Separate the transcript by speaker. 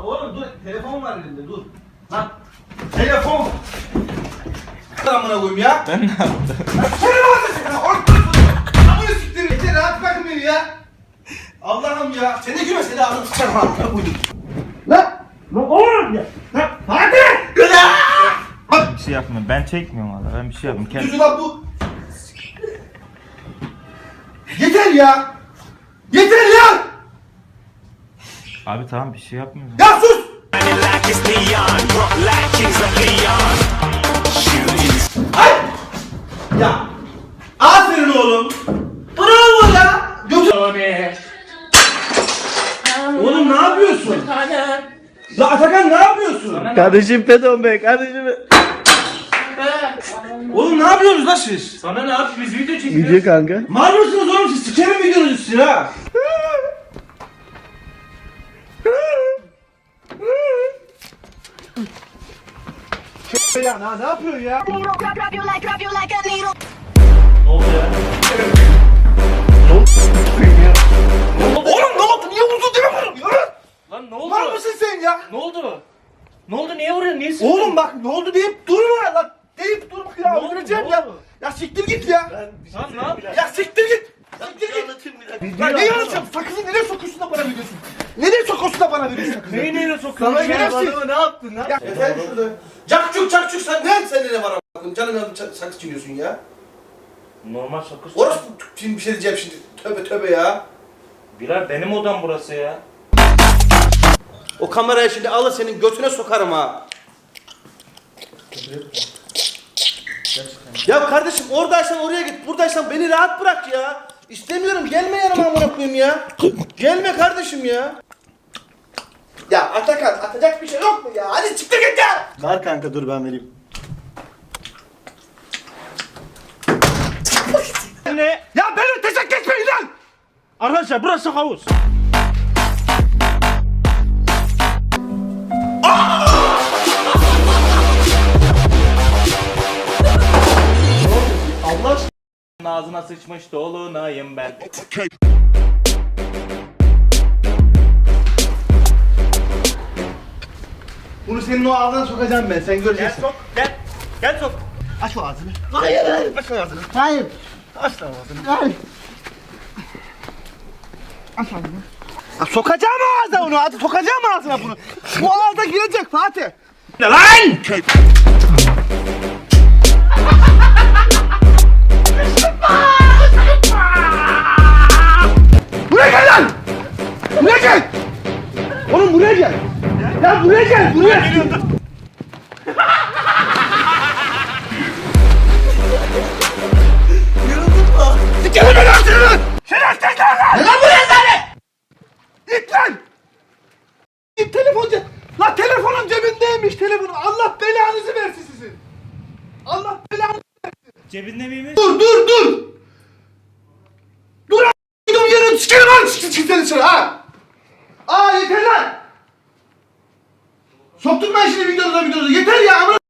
Speaker 1: oğlum dur, telefon var elimde, dur. Lan, telefon. Amına koyayım ya.
Speaker 2: Ben ne yaptım?
Speaker 1: Seni var ya, amına siktir. Yeter, rahat bırakın beni ya. Allah'ım ya, seni güme seni ağzını sıçarım amına koyayım. Lan oğlum ya. Lan hadi.
Speaker 2: Bir şey yapmıyorum. Ben çekmiyorum valla. Ben bir şey yapmıyorum. Kendim...
Speaker 1: Düzü lan bu. Yeter ya. Yeter ya.
Speaker 2: Abi tamam bir şey yapmıyorum.
Speaker 1: Ya sus. Ay. Ya. Aferin oğlum. Bravo ya. Götür. Oğlum ne yapıyorsun? La Atakan ne yapıyorsun?
Speaker 3: Kardeşim Pedon Bey, kardeşim.
Speaker 1: Oğlum ne yapıyorsunuz lan siz?
Speaker 2: Sana ne abi? Biz video çekiyoruz.
Speaker 3: Video kanka.
Speaker 1: Mal mısınız oğlum siz? Sikerim videonuzu sizin ha. Ya ne yapıyorsun ya?
Speaker 4: Drop you like a needle.
Speaker 2: Ne oldu ya?
Speaker 1: Oğlum ne oldu? Niye vurdun diye vuruyorsun ya?
Speaker 2: Lan ne oldu?
Speaker 1: Mal mısın sen ya?
Speaker 2: Ne oldu? Ne oldu? Niye vuruyorsun? Niye sıktın?
Speaker 1: Oğlum bak ne oldu deyip durma lan. Deyip durma ya.
Speaker 2: Ne oldu,
Speaker 1: Öldüreceğim
Speaker 2: ne
Speaker 1: ya.
Speaker 2: oldu?
Speaker 1: Ya siktir git ya.
Speaker 2: Lan ne yapıyorsun?
Speaker 1: Ya siktir git. Siktir git. Ya neyi anlatacağım? Sakızı nereye sokuyorsun da bana veriyorsun? Nereye sokuyorsun da bana veriyorsun sakızı?
Speaker 2: Neyi neyle sokuyorsun?
Speaker 1: Sana şerefsiz.
Speaker 2: Ne yaptın lan?
Speaker 1: Ya efendim şurada. Cakçuk sen ne seninle ne var a**ım? Canım sakız çiğniyorsun ya.
Speaker 2: Normal sakız.
Speaker 1: Orası şimdi bir şey diyeceğim şimdi. Tövbe ya.
Speaker 2: Bilal benim odam burası ya.
Speaker 1: O kamerayı şimdi alır senin götüne sokarım ha. Ya kardeşim oradaysan oraya git, buradaysan beni rahat bırak ya. İstemiyorum, gelme yanıma amına koyayım ya. Gelme kardeşim ya. Ya Atakan, atacak bir şey yok mu ya? Hadi çıktı git ya.
Speaker 3: Ver kanka dur ben vereyim.
Speaker 2: Ne?
Speaker 1: Ya beni teşekkür etmeyin lan.
Speaker 3: Arkadaşlar burası havuz.
Speaker 2: Allah aşkına ağzına sıçmış dolunayım ben.
Speaker 1: Bunu senin o ağzına sokacağım ben, sen
Speaker 2: Gel
Speaker 1: göreceksin.
Speaker 2: sok, gel. Gel sok.
Speaker 1: Aç o ağzını.
Speaker 3: Aç ağzını. Hayır.
Speaker 1: Aç lan ağzını.
Speaker 3: Hayır.
Speaker 1: Ya sokacağım ağzına onu, hadi sokacağım ağzına bunu. Bu ağza girecek Fatih.
Speaker 2: Ne lan?
Speaker 1: Buraya gel lan! Buraya gel! Oğlum buraya gel! Ya buraya gel, buraya! Sikerim ben ağzını lan! Şerefsiz lan! Ne lan buraya lan? Git lan! Git telefon lan telefonun cebindeymiş telefonun. Allah belanızı versin sizin. Allah belanızı.
Speaker 2: Cebinde miymiş?
Speaker 1: Dur! Dur a***ım yerim sikerim lan seni dışarı ha! Aa yeter lan! Soktum ben şimdi videonuza yeter ya amına